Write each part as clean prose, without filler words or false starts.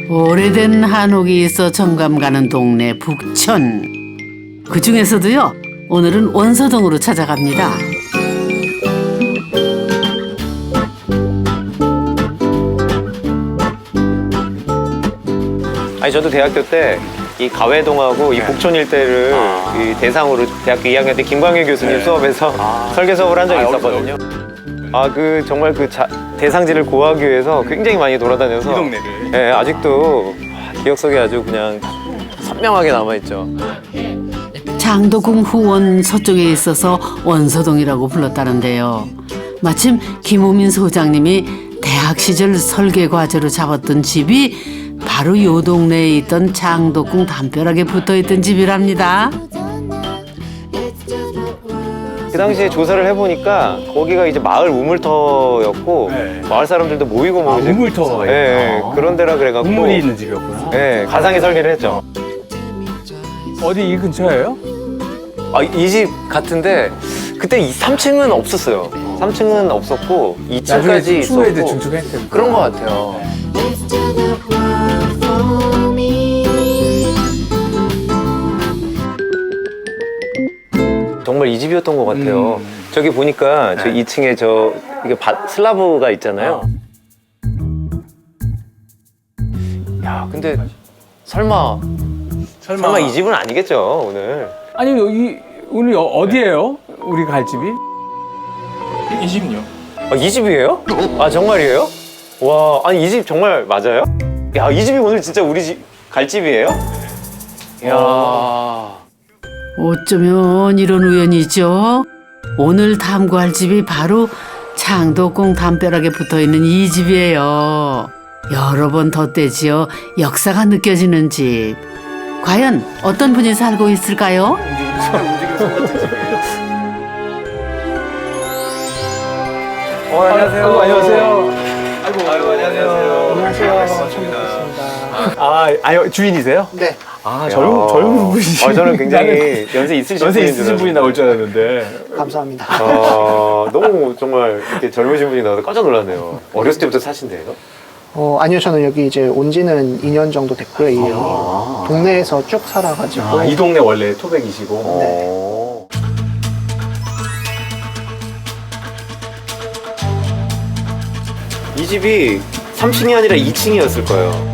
오래된 한옥이 있어 정감 가는 동네 북천. 그 중에서도요, 오늘은 원서동으로 찾아갑니다. 아니 저도 대학교 때 이 가회동하고 이 북촌 일대를 이 대상으로 대학교 2학년 때 김광일 교수님 수업에서 설계 수업을 한 적이 있었거든요. 그 정말 그 대상지를 고하기 위해서 굉장히 많이 돌아다녀서 이 동네를. 네, 아직도 기억 속에 아주 그냥 선명하게 남아있죠. 장덕궁 후원 서쪽에 있어서 원서동이라고 불렀다는데요. 마침 김호민 소장님이 대학 시절 설계 과제로 잡았던 집이 바로 요 동네에 있던 장덕궁 담벼락에 붙어있던 집이랍니다. 그 당시에 조사를 해보니까 거기가 이제 마을 우물터였고 네. 마을 사람들도 모이고 뭐 이제 우물터가 네, 그런 데라 그래갖고 우물이 있는 집이었구나. 네, 가상의 설계를 했죠. 어디 이 근처예요? 이 집 같은데 그때 3층은 없었어요. 3층은 없었고 2층까지 추후에도 있었고 중축했을 그런 것 같아요. 정말 이 집이었던 것 같아요. 저기 보니까 저 2층에 이게 슬라브가 있잖아요. 야, 근데 설마 이 집은 아니겠죠, 오늘? 아니 여기 오늘 어디예요? 우리 갈 집이? 이 집은요? 이 집이에요? 정말이에요? 와, 아니 이 집 정말 맞아요? 야, 이 집이 오늘 진짜 우리 집 갈 집이에요? 이야. 어쩌면 이런 우연이죠. 오늘 탐구할 집이 바로 장덕궁 담벼락에 붙어있는 이 집이에요. 여러 번 덧대지어 역사가 느껴지는 집. 과연 어떤 분이 살고 있을까요? 안녕하세요. 안녕하세요. 아이고, 안녕하세요. 안녕하세요. 주인이세요? 네. 젊은 분이시죠? 저는 굉장히 연세 있으신 분이 나올 줄 알았는데. 감사합니다. 너무 정말 이렇게 젊으신 분이 나와서 깜짝 놀랐네요. 어렸을 때부터 사신대요? 아니요, 저는 여기 이제 온 지는 2년 정도 됐고요. 이 동네에서 쭉 살아가지고. 이 동네 원래 토백이시고. 이 집이 3층이 아니라 2층이었을 거예요.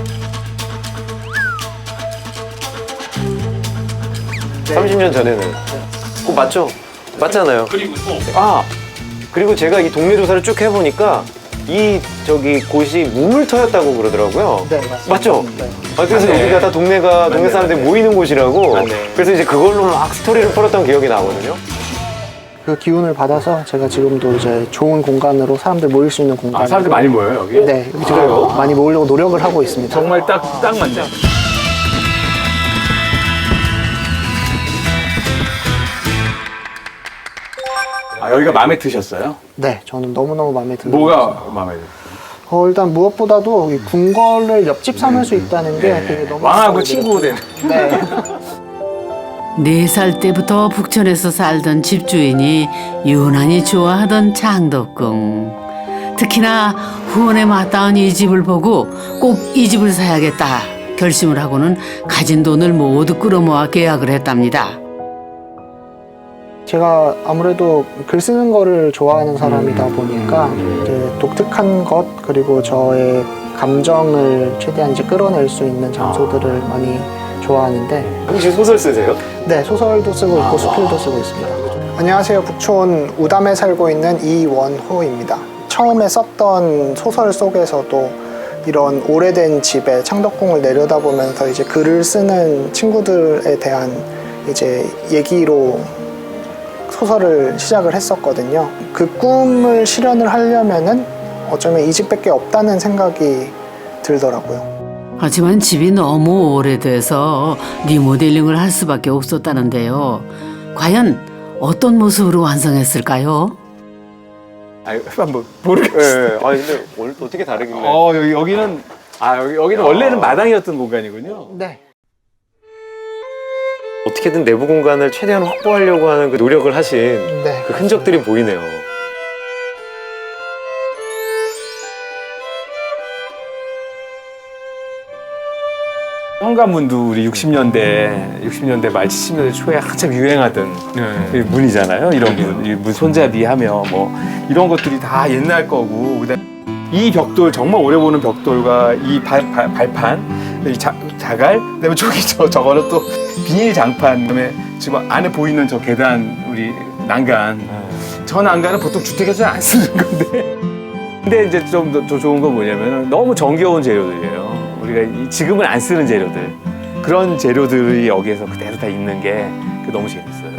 네. 30년 전에는. 그거 맞죠? 맞잖아요. 그리고 또 그리고 제가 이 동네 조사를 쭉 해보니까 곳이 우물터였다고 그러더라고요. 네, 맞습니다. 맞죠? 네. 그래서 맞네. 여기가 다 동네 사람들이 모이는 곳이라고. 맞네. 그래서 이제 그걸로 막 스토리를 풀었던 기억이 나거든요. 그 기운을 받아서 제가 지금도 이제 좋은 공간으로 사람들 모일 수 있는 공간. 사람들 많이 모여요 여기? 네, 여기 제가 많이 모으려고 노력을 하고 있습니다. 정말 딱 맞네. 여기가 마음에 드셨어요? 네, 저는 너무너무 마음에 드는 것 뭐가 마음에 드세요? 일단 무엇보다도 이 궁궐을 옆집 삼을 수 있다는 게 되게 너무 왕하고 마음에 친구 되는. 네. 4살 때부터 북촌에서 살던 집주인이 유난히 좋아하던 장덕궁. 특히나 후원에 맞닿은 이 집을 보고 꼭 이 집을 사야겠다 결심을 하고는 가진 돈을 모두 끌어모아 계약을 했답니다. 제가 아무래도 글 쓰는 거를 좋아하는 사람이다 보니까 이제 독특한 것 그리고 저의 감정을 최대한 이제 끌어낼 수 있는 장소들을 많이 좋아하는데 혹시 소설 쓰세요? 네, 소설도 쓰고 있고 수필도 쓰고 있습니다. 안녕하세요. 북촌 우담에 살고 있는 이원호입니다. 처음에 썼던 소설 속에서도 이런 오래된 집에 창덕궁을 내려다보면서 이제 글을 쓰는 친구들에 대한 이제 얘기로 소설을 시작을 했었거든요. 그 꿈을 실현을 하려면은 어쩌면 이 집밖에 없다는 생각이 들더라고요. 하지만 집이 너무 오래돼서 리모델링을 할 수밖에 없었다는데요. 과연 어떤 모습으로 완성했을까요? 한번 모르겠어요. 네. 근데 오늘 어떻게 다르길래? 여기는 여기는 원래는 마당이었던 공간이군요. 네. 어떻게든 내부 공간을 최대한 확보하려고 하는 그 노력을 하신 네. 그 흔적들이 보이네요. 현관문도 우리 60년대 말 70년대 초에 한참 유행하던 이 문이잖아요. 이런 문, 이 문 손잡이 하며 뭐 이런 것들이 다 옛날 거고. 그다음에 이 벽돌 정말 오래 보는 벽돌과 이 발판, 이 자갈, 그다음에 저기 저거는 또 비닐 장판, 그다음에 지금 안에 보이는 저 계단 우리 난간. 저 난간은 보통 주택에서 안 쓰는 건데. 근데 이제 좀 더 좋은 건 뭐냐면 너무 정겨운 재료들이에요. 우리가 지금은 안 쓰는 재료들. 그런 재료들이 여기에서 그대로 다 있는 게 너무 재밌어요.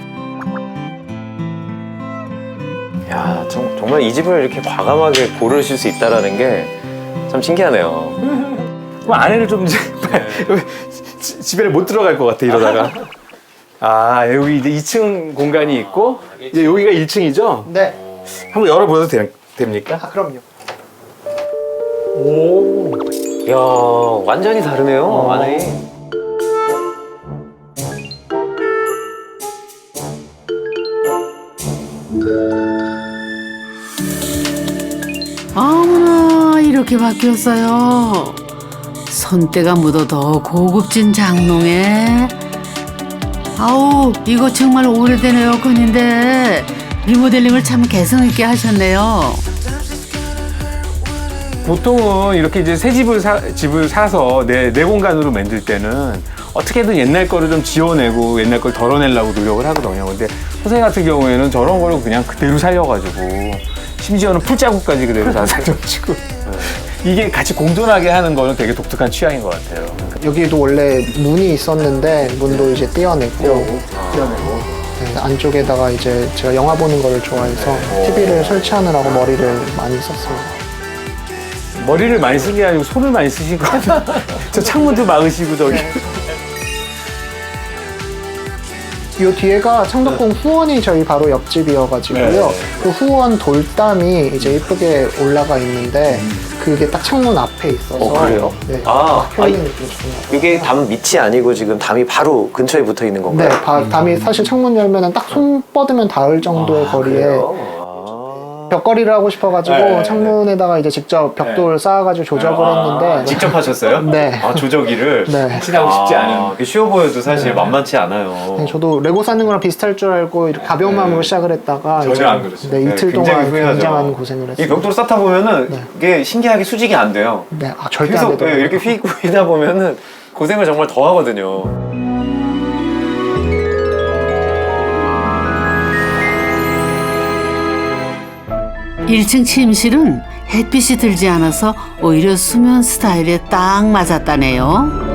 야, 정말 이 집을 이렇게 과감하게 고르실 수 있다라는 게 참 신기하네요. 그럼 아내를 좀 이제 집에 못 들어갈 것 같아 이러다가. 아, 여기 이제 2층 공간이 있고 이제 여기가 1층이죠? 네. 한번 열어봐도 됩니까? 아, 그럼요. 오. 이야, 완전히 다르네요, 안에. 어머나 이렇게 바뀌었어요. 손때가 묻어 더 고급진 장롱에. 아우 이거 정말 오래된 에어컨인데 리모델링을 참 개성 있게 하셨네요. 보통은 이렇게 이제 새 집을 사서 내 공간으로 만들 때는 어떻게든 옛날 거를 좀 지워내고 옛날 걸 덜어내려고 노력을 하거든요. 근데 선생님 같은 경우에는 저런 거를 그냥 그대로 살려가지고 심지어는 풀자국까지 그대로 다 살려가지고 이게 같이 공존하게 하는 거는 되게 독특한 취향인 것 같아요. 여기도 원래 문이 있었는데 문도 이제 떼어내고 네, 안쪽에다가 이제 제가 영화 보는 거를 좋아해서 TV를 설치하느라고 머리를 많이 썼습니다. 머리를 많이 쓴 게 아니고 손을 많이 쓰신 거 같아요. 저 창문도 막으시고 저기. 이 뒤에가 창덕궁 후원이 저희 바로 옆집이어가지고요. 네. 그 후원 돌담이 이제 예쁘게 올라가 있는데 그게 딱 창문 앞에 있어서 그래요? 네, 아, 힐링 느낌 좋습니다. 이게 담 밑이 아니고 지금 담이 바로 근처에 붙어 있는 건가요? 네, 담이 사실 창문 열면은 딱 손 뻗으면 닿을 정도의 거리에 그래요? 벽걸이를 하고 싶어가지고 네, 창문에다가 이제 직접 벽돌 쌓아가지고 조작을 했는데 직접 하셨어요? 네. 아, 조저기를? 네. 확신하고 싶지 않은. 그게 쉬워 보여도 사실 만만치 않아요. 네, 저도 레고 쌓는 거랑 비슷할 줄 알고 이렇게 가벼운 마음으로 시작을 했다가 전혀 이제 안 그랬어요. 네, 이틀 굉장히 동안 후회하죠. 굉장한 고생을 이 했어요. 벽돌 쌓다 보면은 이게 신기하게 수직이 안 돼요. 네, 아, 절대 안 계속 되더라고요. 이렇게 휘다 보면은 고생을 정말 더 하거든요. 일 1층 침실은 햇빛이 들지 않아서 오히려 수면 스타일에 딱 맞았다네요.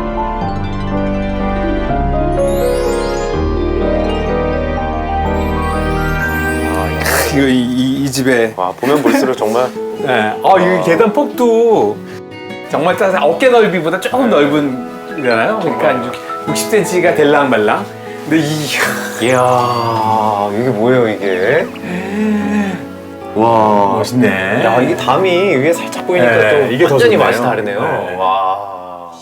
이거 이 집에. 와, 보면 볼수록 정말 네. 이 계단 폭도 정말 따뜻한 어깨 넓이보다 조금 넓은잖아요. 그러니까 60cm가 될랑 말랑. 근데 이야, 이게 뭐예요, 이게? 와, 멋있네. 야, 이게 담이 위에 살짝 보이니까 네, 또 이게 더 완전히 좋네요. 맛이 다르네요. 네. 와.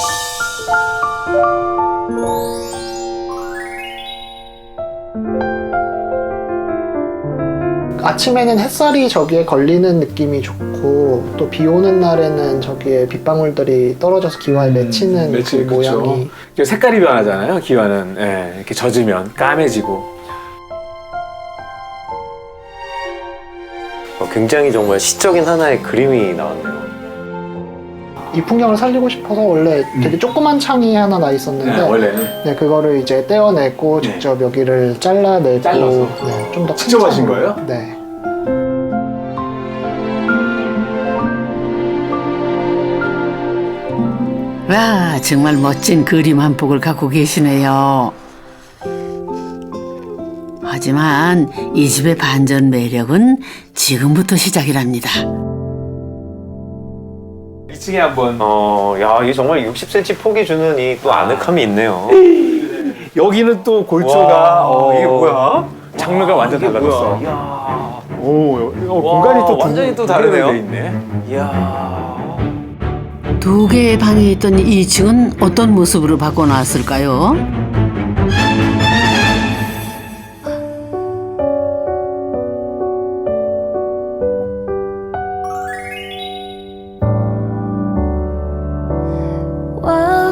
아침에는 het살이 저기에 걸리는 느낌이 좋고 또 비 오는 날에는 저기에 빗방울들이 떨어져서 기와에 맺히는 그 모양이 색깔이 변하잖아요. 기와는 이렇게 젖으면 까매지고. 굉장히 정말 시적인 하나의 그림이 나왔네요. 이 풍경을 살리고 싶어서 원래 되게 조그만 창이 하나 나 있었는데 원래는 네, 그거를 이제 떼어내고 직접 여기를 잘라내고 잘라서? 네, 좀 더 직접 하신 거예요? 네. 와 정말 멋진 그림 한 폭을 갖고 계시네요. 하지만 이 집의 반전 매력은 지금부터 시작이랍니다. 2층에 한번 야, 이게 정말 60cm 폭이 주는 이 또 아늑함이 있네요. 여기는 또 골조가 와, 이게 뭐야? 장르가 완전 이게 달라졌어. 뭐야? 이야. 공간이 또 완전히 또 두 개로 다르네요. 돼 있네. 이야. 두 개의 방이 있던 2층은 어떤 모습으로 바꿔놨을까요? While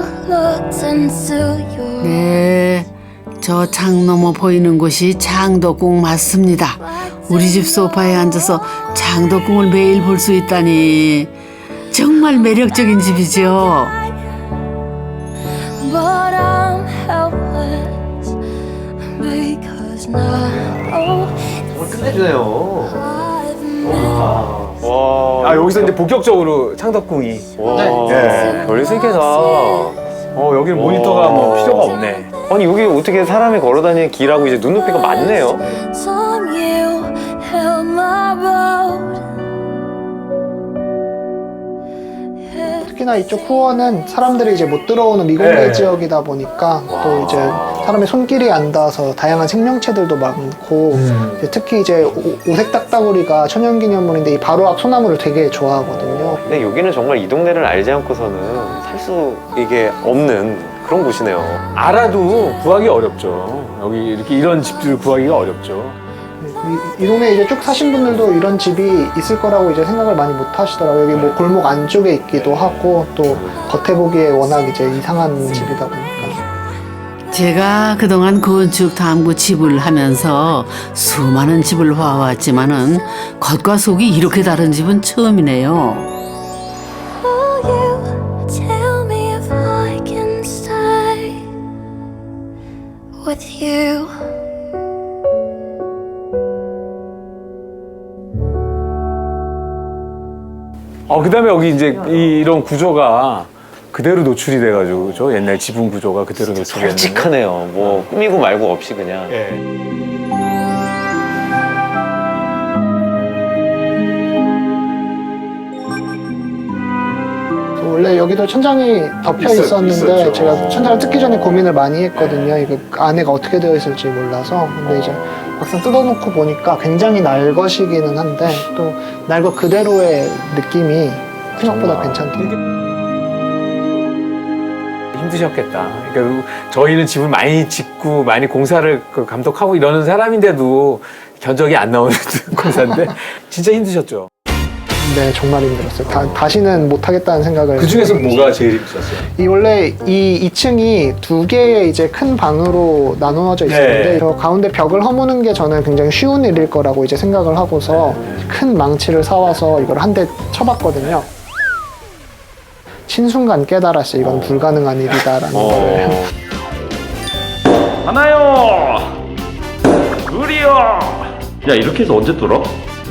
네, 저 창 너머 보이는 곳이 창덕궁 맞습니다. 우리 집 소파에 앉아서 창덕궁을 매일 볼 수 있다니 정말 매력적인 집이죠. But I'm helpless because now 끝내주네요. I've 와. 아 여기서 이제 본격적으로 창덕궁이. 와. 네. 별 세 개다. 여기는 모니터가 뭐 필요가 없네. 아니 여기 어떻게 사람이 걸어다니는 길하고 이제 눈높이가 맞네요. song you held my boat. 특히나 이쪽 후원은 사람들이 이제 못 들어오는 미공개 네. 지역이다 보니까 또 이제 사람의 손길이 안 닿아서 다양한 생명체들도 많고 이제 특히 이제 오색 딱따구리가 천연기념물인데 이 바로 앞 소나무를 되게 좋아하거든요. 근데 여기는 정말 이 동네를 알지 않고서는 살 수 이게 없는 그런 곳이네요. 알아도 구하기 어렵죠. 여기 이렇게 이런 집들을 구하기가 어렵죠. 이 동네에 이제 쭉 사신 분들도 이런 집이 있을 거라고 이제 생각을 많이 못 하시더라고요. 여기 뭐 골목 안쪽에 있기도 하고 또 겉에 보기에 워낙 이제 이상한 집이다 보니까. 제가 그동안 건축 탐구 집을 하면서 수많은 집을 봐왔지만은 겉과 속이 이렇게 다른 집은 처음이네요. Will you tell me if I can stay with you? 그다음에 여기 이제 이런 구조가 그대로 노출이 돼가지고 그죠? 옛날 지붕 구조가 그대로 노출이 됐는데. 솔직하네요. 뭐 꾸미고 말고 없이 그냥. 예. 원래 여기도 천장이 덮여 있었는데 있었죠. 제가 천장을 뜯기 전에 고민을 많이 했거든요. 이거 안에가 어떻게 되어 있을지 몰라서. 근데 이제 막상 뜯어놓고 보니까 굉장히 날것이기는 한데 또 날것 그대로의 느낌이 생각보다 괜찮더라고요. 힘드셨겠다. 그러니까 저희는 집을 많이 짓고 많이 공사를 감독하고 이러는 사람인데도 견적이 안 나오는 공사인데 진짜 힘드셨죠. 네, 정말 힘들었어요. 다시는 못하겠다는 생각을. 그 중에서 뭐가 제일 힘드셨어요? 원래 이 2층이 두 개의 이제 큰 방으로 나누어져 있었는데 네. 저 가운데 벽을 허무는 게 저는 굉장히 쉬운 일일 거라고 이제 생각을 하고서 큰 망치를 사와서 이걸 한 대 쳐봤거든요. 신순간 깨달았어요. 이건 불가능한 일이다라는 거를. 하나요. 둘이요. 야 이렇게 해서 언제 뚫어?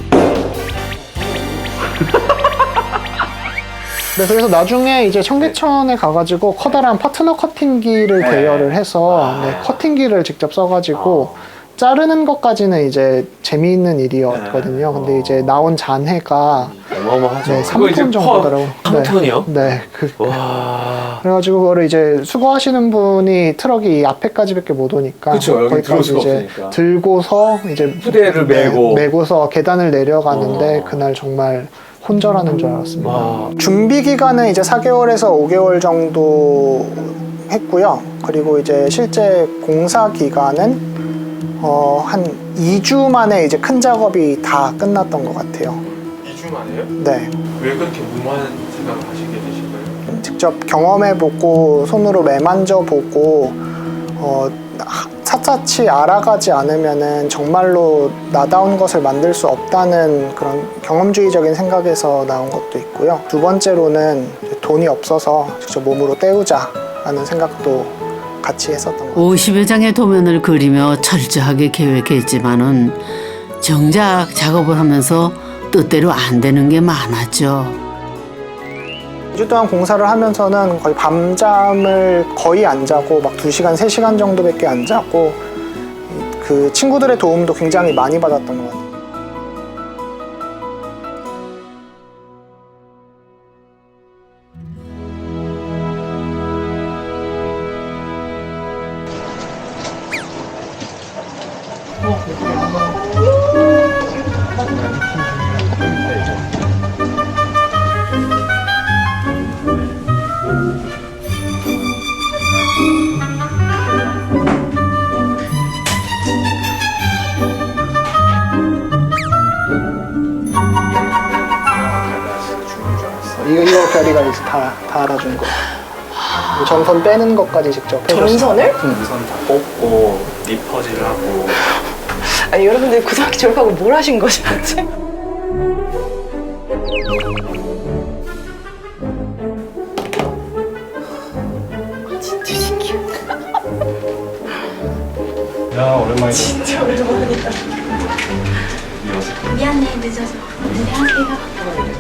네, 그래서 나중에 이제 청계천에 가가지고 커다란 파트너 커팅기를 대여를 해서 커팅기를 직접 써가지고 자르는 것까지는 이제 재미있는 일이었거든요. 근데 이제 나온 잔해가 어마어마하죠. 네, 그거 이제 3톤 정도더라고요. 한 톤이요? 네. 와. 그래가지고 그거를 이제 수거하시는 분이 트럭이 이 앞에까지밖에 못 오니까 그쵸, 여기 들어올 거기까지 수가 이제 없으니까. 들고서 이제 후대를 메고. 메고서 계단을 내려가는데 그날 정말 혼절하는 줄 알았습니다. 준비 기간은 이제 4개월에서 5개월 정도 했고요. 그리고 이제 실제 공사 기간은 한 2주 만에 이제 큰 작업이 다 끝났던 것 같아요. 2주 만에요? 네. 왜 그렇게 무모한 생각을 하시게 되신 거예요? 직접 경험해보고 손으로 매만져보고 차차치 알아가지 않으면은 정말로 나다운 것을 만들 수 없다는 그런 경험주의적인 생각에서 나온 것도 있고요. 두 번째로는 돈이 없어서 직접 몸으로 때우자라는 생각도 같이 했었던 것 같아요. 50여 장의 도면을 그리며 철저하게 계획했지만은 정작 작업을 하면서 뜻대로 안 되는 게 많았죠. 2주 동안 공사를 하면서는 거의 밤잠을 거의 안 자고 막 2시간, 3시간 정도밖에 안 자고 그 친구들의 도움도 굉장히 많이 받았던 것 같아요. 이거 별이가 이제 다 알아준 거. 전선 빼는 것까지 직접 해줬어요. 전선을? 우선 다 뽑고 리퍼질 하고. 아니 여러분들 고등학교 졸업하고 뭘 하신 거죠 대체? 진짜 신기하다. 야 오랜만이다. 진짜 오랜만이다. 미안해 늦어서 안녕하세요.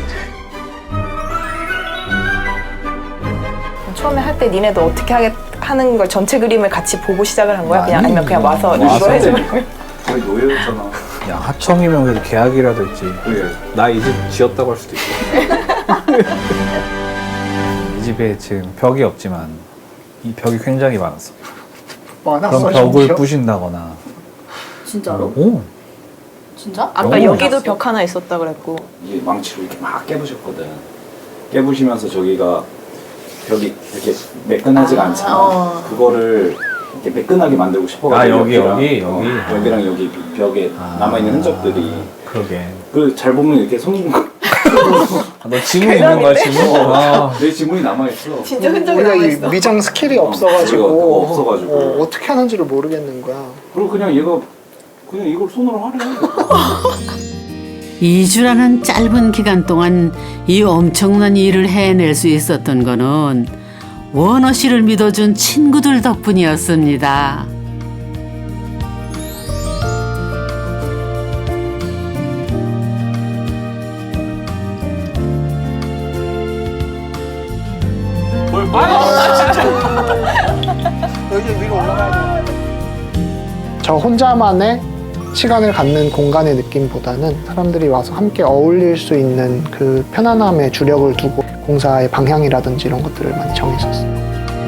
처음에 할 때 니네도 어떻게 하는 걸 전체 그림을 같이 보고 시작을 한 거야? 그냥 아니면 그냥 와서 이거 해주려고? 거의 노예였잖아. 야 하청이면 그래도 계약이라도 있지. 그래. 나 이 집 지었다고 할 수도 있고. 이 집에 지금 벽이 없지만 이 벽이 굉장히 많았어. 많았어. 그럼 벽을 부신다거나. 진짜로? 오. 진짜? 아까 여기도 벽 하나 있었다 그랬고. 이게 망치로 이렇게 막 깨부셨거든. 깨부시면서 저기가 벽이 이렇게 매끈하지가 않잖아. 그거를 이렇게 매끈하게 만들고 싶어가지고. 아, 여기랑 여기 벽에 남아있는 흔적들이. 그러게. 그 잘 보면 이렇게 손. 너 지문 있는 거야 지문? 아. 내 지문이 남아있어. 진짜 흔적이 우리가 이 남아있어. 미장 스킬이 없어가지고 없어가지고. 어떻게 하는지를 모르겠는 거야. 그리고 그냥 얘가 그냥 이걸 손으로 하래. 2주라는 짧은 기간 동안 이 엄청난 일을 해낼 수 있었던 거는 원호 씨를 믿어준 친구들 덕분이었습니다. 여기 위로 올라가야 돼. 저 혼자만의 시간을 갖는 공간의 느낌보다는 사람들이 와서 함께 어울릴 수 있는 그 편안함에 주력을 두고 공사의 방향이라든지 이런 것들을 많이 정했었어요.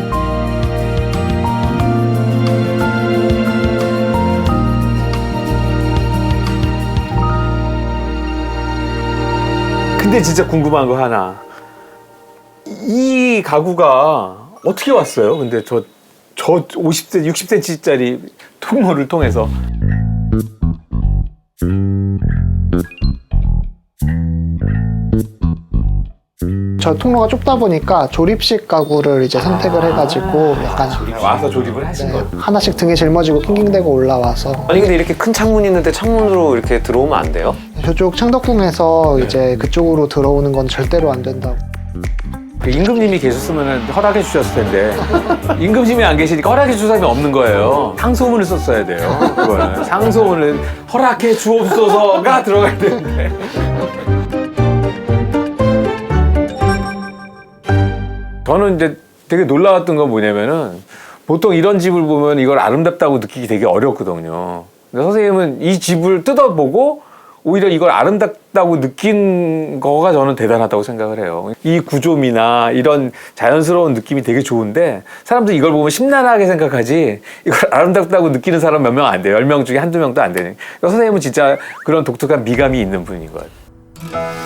근데 진짜 궁금한 거 하나. 이 가구가 어떻게 왔어요? 근데 저 50cm, 60cm짜리 통로를 통해서. 저 통로가 좁다 보니까 조립식 가구를 이제 선택을 해가지고 약간 와서 조립을 하신 네, 거예요? 하나씩 등에 짊어지고 낑낑대고 올라와서 아니 근데 이렇게 큰 창문이 있는데 창문으로 이렇게 들어오면 안 돼요? 저쪽 창덕궁에서 이제 그쪽으로 들어오는 건 절대로 안 된다고. 그 임금님이 계셨으면 허락해 주셨을 텐데 임금님이 안 계시니까 허락해 줄 사람이 없는 거예요. 상소문을 썼어야 돼요. 그거는 상소문을 허락해 주옵소서가 들어가야 되는데. 저는 이제 되게 놀라웠던 건 뭐냐면은 보통 이런 집을 보면 이걸 아름답다고 느끼기 되게 어렵거든요. 근데 선생님은 이 집을 뜯어보고 오히려 이걸 아름답다고 느낀 거가 저는 대단하다고 생각을 해요. 이 구조미나 이런 자연스러운 느낌이 되게 좋은데 사람들이 이걸 보면 심란하게 생각하지 이걸 아름답다고 느끼는 사람 몇 명 안 돼요. 10명 중에 한두 명도 안 되는. 그러니까 선생님은 진짜 그런 독특한 미감이 있는 분인 것 같아요.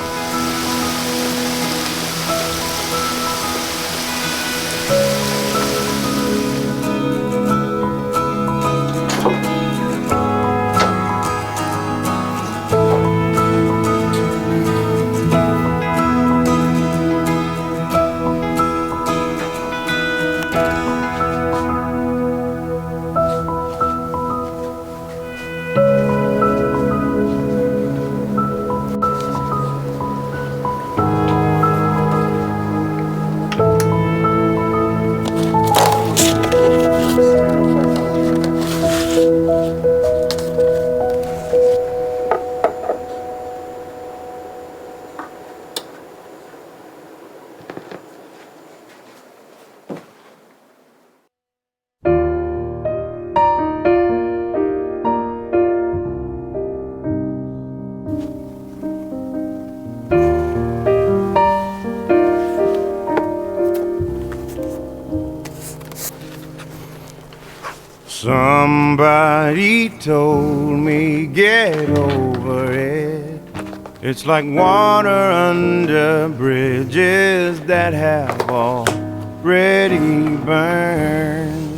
Somebody told me get over it. It's like water under bridges that have already burned.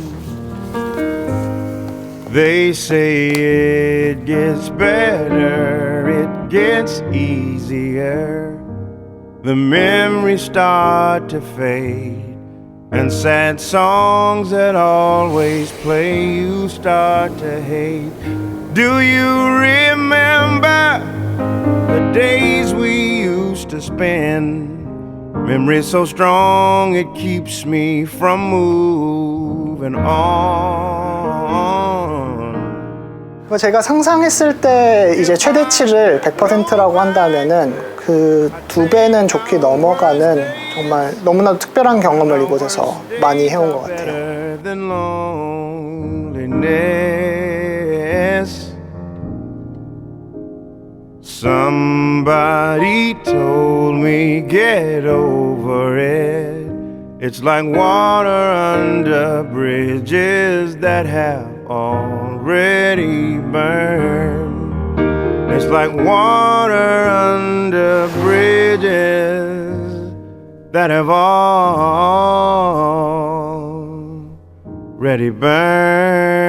They say it gets better, it gets easier. The memories start to fade and sad songs that always play, you start to hate. Do you remember the days we used to spend? Memory so strong it keeps me from moving on. 제가 상상했을 때 이제 최대치를 100%라고 한다면은 그 2배는 좋게 넘어가는 정말 너무나도 특별한 경험을 이곳에서 많이 해온 것 같아요. Somebody told me get over it. It's like water under bridges that have already burned. It's like water under bridges that have already burned.